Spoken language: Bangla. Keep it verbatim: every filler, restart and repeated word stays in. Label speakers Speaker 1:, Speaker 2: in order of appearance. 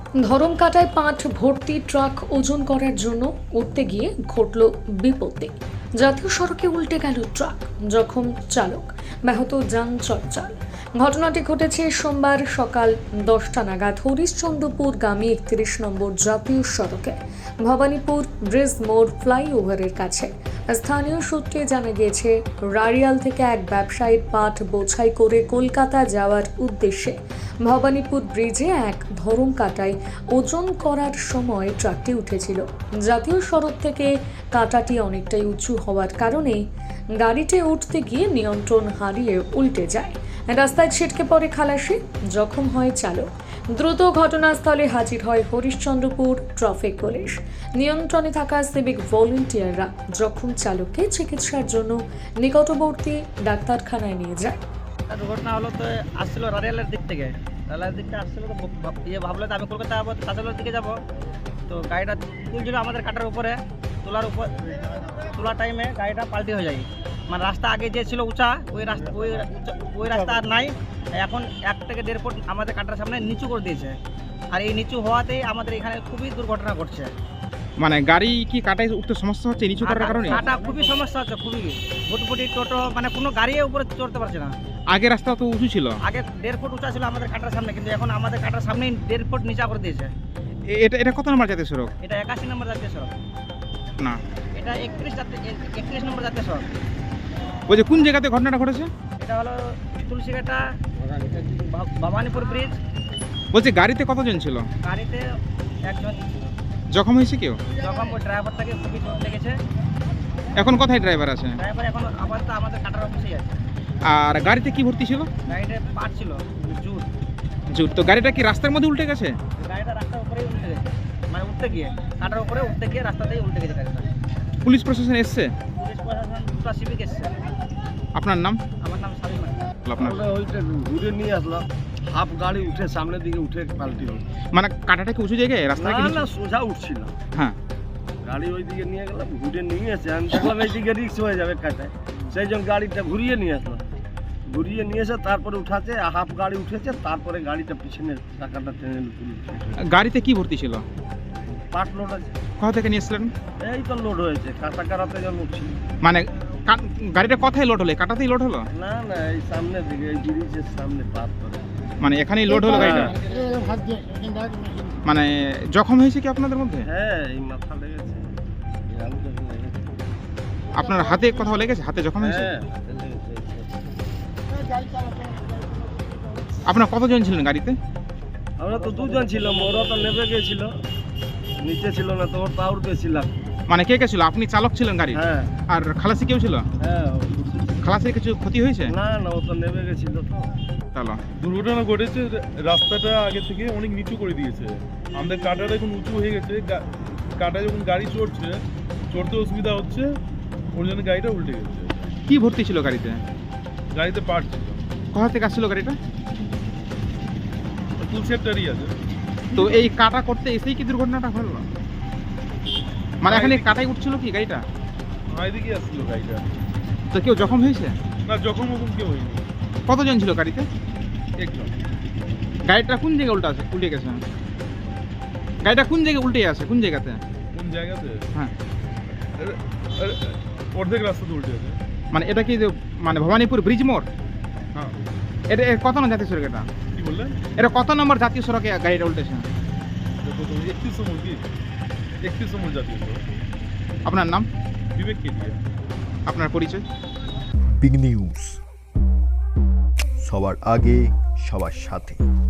Speaker 1: ধরমকাটায় পাট ভর্তি ট্রাক ওজন করার জন্য উঠতে গিয়ে ঘটল বিপত্তি। জাতীয় সড়কে উল্টে গেল ট্রাক, জখম চালক, ব্যাহত যান চলাচল। ঘটনাটি ঘটেছে সোমবার সকাল দশটা নাগাদ হরিশ্চন্দ্রপুর গামী একত্রিশ নম্বর জাতীয় সড়কে ভবানীপুর ব্রিজ মোড় ফ্লাইওভারের কাছে। স্থানীয় সূত্রে জানা গিয়েছে, রাড়িয়াল থেকে এক ব্যবসায়ীর পাট বোঝাই করে কলকাতা যাওয়ার উদ্দেশ্যে ভবানীপুর ব্রিজে এক ধরমকাটায় ওজন করার সময় ট্রাকটি উঠেছিল। জাতীয় সড়ক থেকে কাঁটাটি অনেকটাই উঁচু হওয়ার কারণে গাড়িটি উঠতে গিয়ে নিয়ন্ত্রণ হারিয়ে উল্টে যায়। রাস্তায় ছিটকে পড়ে খালাসি, জখম হয় চালক। দ্রুত ঘটনাস্থলে হাজির হয় হরিশ্চন্দ্রপুর ট্রাফিক পুলিশ। নিয়ন্ত্রণে থাকা সিভিক ভলেন্টিয়াররা জখম চালককে চিকিৎসার জন্য নিকটবর্তী ডাক্তারখানায় নিয়ে যায়।
Speaker 2: দুর্ঘটনা হলো তো আসছিল রারিয়ালের দিক থেকে রারিয়ালের দিকটা আসছিল তো ইয়ে ভাবলো তো আমি কলকাতা যাবো, কাঁচালোর দিকে যাবো। তো গাড়িটা তুলছিল আমাদের কাটার উপরে, তোলার উপর তোলার টাইমে গাড়িটা পাল্টি হয়ে যায়। মানে রাস্তা আগে যে ছিল উঁচা, ওই রাস্তা ওই ওই রাস্তা আর নাই। এখন এক থেকে দেড় ফুট আমাদের কাটার সামনে নিচু করে দিয়েছে। আর এই নিচু হওয়াতেই আমাদের এখানে খুবই দুর্ঘটনা ঘটছে।
Speaker 3: মানে গাড়ি কি কাটায় উঠতে সমস্যা হচ্ছে নিচু করার কারণে?
Speaker 2: কাটা খুবই সমস্যা হচ্ছে, খুবই ভুটভুটি টোটো মানে কোনো গাড়ি উপরে চড়তে পারছে না।
Speaker 3: আগে রাস্তা তো উঁচু ছিল,
Speaker 2: আগে দেড় ফুট উঁচা ছিল আমাদের কাটার সামনে, কিন্তু এখন আমাদের কাটার সামনেই দেড় ফুট নিচা করে দিয়েছে।
Speaker 3: এ- এটা এটা কত নম্বর জাতীয় সড়ক?
Speaker 2: এটা একাশি নম্বর জাতীয় সড়ক
Speaker 3: না,
Speaker 2: এটা একত্রিশ একত্রিশ নম্বর জাতীয় সড়ক।
Speaker 3: ওই যে কোন জায়গাতে ঘটনাটা ঘটেছে?
Speaker 2: এটা হলো তুলসীঘাটা ভা- ভবানীপুর ব্রিজ।
Speaker 3: বলছি গাড়িতে কতজন ছিল?
Speaker 2: গাড়িতে একজন
Speaker 3: জখম হয়েছে কেউ?
Speaker 2: যখন ওই ড্রাইভারটাকে খুবই চোট লেগেছে।
Speaker 3: এখন কোথায় ড্রাইভার আছে?
Speaker 2: ড্রাইভার এখন আপাতত আমাদের কাটার অফিসেই আছে।
Speaker 3: আর গাড়িতে কি ভর্তি ছিল?
Speaker 2: গাড়িতে পাট ছিল জুট।
Speaker 3: জুট। তো গাড়িটা কি রাস্তার মধ্যে উল্টে গেছে?
Speaker 2: গাড়িটা রাস্তার উপরেই উল্টে গেছে, মানে উঠতে গিয়ে কাটার উপরে উঠতে গিয়ে রাস্তাতেই উল্টে গেছে গাড়িটা।
Speaker 3: পুলিশ প্রশাসন এসছে?
Speaker 2: পুলিশ প্রশাসন দুটো সিভিক এসছে।
Speaker 3: আপনার নাম?
Speaker 2: আমার নাম সাবির মান্না।
Speaker 3: আপনার
Speaker 4: আমরা ওইটা ঘুরে নিয়ে আসলাম, হাফ গাড়ি উঠে সামনের দিকে উঠে পাল্টি হলো।
Speaker 3: মানে কাটাটা কি উঁচু জায়গায় রাস্তা?
Speaker 4: না না সোজা উঠছিল,
Speaker 3: হ্যাঁ।
Speaker 4: গাড়ি ওই দিকে নিয়ে গেলাম, ঘুরে নিয়ে এসে আমি দেখলাম এই দিকে রিক্স হয়ে যাবে কাটায়, সেই জন্য গাড়িটা ঘুরিয়ে নিয়ে আসলাম। ঘুরিয়ে নিয়ে এসে তারপরে উঠাচ্ছে, হাফ গাড়ি উঠেছে, তারপরে গাড়িটা পিছনে চাকাটা টেনে তুলে
Speaker 3: গাড়িতে কি ভর্তি ছিল?
Speaker 4: পাট লোড আছে।
Speaker 3: কোথা থেকে নিয়ে এসলেন?
Speaker 4: এই তো লোড হয়েছে, কাটা কাটাতে যখন উঠছিল।
Speaker 3: মানে কা- গাড়িটা কোথায় লোড হলো? কাটাতেই লোড হলো?
Speaker 4: না না এই সামনের দিকে, এই ব্রিজের সামনে পার করে।
Speaker 3: মানে এখানেই লোড হলো গাড়িটা? মানে জখম হয়েছে কি আপনাদের মধ্যে?
Speaker 4: হ্যাঁ এই মাথা লেগেছে, এই আঙুলে লেগেছে।
Speaker 3: আপনার হাতে কোথাও লেগেছে? হাতে জখম হয়েছে?
Speaker 4: হ্যাঁ হাতে লেগেছে।
Speaker 3: আপনার কতজন ছিলেন গাড়িতে?
Speaker 4: আমরা তো দুজন ছিলাম, ওরা তো নেমে গেছিল, নিচে ছিল না তো, ওর পা উঠতেছিলাম।
Speaker 3: মানে কে কে ছিল? আপনি চালক ছিলেন গাড়ি?
Speaker 4: হ্যাঁ
Speaker 3: আর খালাসি কেউ ছিল?
Speaker 4: হ্যাঁ।
Speaker 3: খালাসির কিছু ক্ষতি হয়েছে?
Speaker 4: না না ও তো নেমে গেছিল তো।
Speaker 3: চলো।
Speaker 5: দুর্ঘটনা ঘটেছে, রাস্তাটা আগে থেকে অনেক নিচু করে দিয়েছে। আমাদের কাটাটা এখন উঁচু হয়ে গেছে, গা- কাটায় যখন গাড়ি চড়ছে, চড়তে অসুবিধা হচ্ছে, ওর জন্য গাড়িটা উল্টে গেছে।
Speaker 3: কি ভর্তি ছিল গাড়িতে?
Speaker 5: গাড়িতে পার্ট ছিল,
Speaker 3: কোথা থেকে আসছিল গাড়িটা?
Speaker 5: তুলসেপটারই আছে।
Speaker 3: তো এই কাটা করতে এসেই কি দুর্ঘটনাটা হলো? মানে এখানে কাটাই উঠছিল কি গাড়িটা?
Speaker 5: এদিকে আসছিল গাড়িটা।
Speaker 3: তো কেউ জখম হয়েছে?
Speaker 5: না যখন মতন কেউ হয়নি,
Speaker 3: কতজন ছিল গাড়িতে?
Speaker 5: একজন।
Speaker 3: গাড়িটা কোন জায়গায় উল্টে আছে উল্টে গেছে? গাড়িটা কোন জায়গায় উল্টে আছে? কোন জায়গাতে?
Speaker 5: কোন জায়গাতে?
Speaker 3: হ্যাঁ।
Speaker 5: এ- এ- অর্ধেক রাস্তাতে উল্টে আছে।
Speaker 3: মানে এটা কি যে মানে ভবানীপুর ব্রিজ মোড়?
Speaker 5: হ্যাঁ।
Speaker 3: এটা এর কত নম্বর জাতীয় সড়ক এটা?
Speaker 5: কি বললেন?
Speaker 3: এটা কত নম্বর জাতীয় সড়কে গাড়িটা উল্টেছে?
Speaker 5: একত্রিশ নম্বর কি একত্রিশ নম্বর জাতীয় সড়ক।
Speaker 3: আপনার নাম?
Speaker 5: বিবেক কেডিয়া।
Speaker 3: আপনার পরিচয়?
Speaker 6: বিগ নিউজ, সবার আগে সবার সাথে।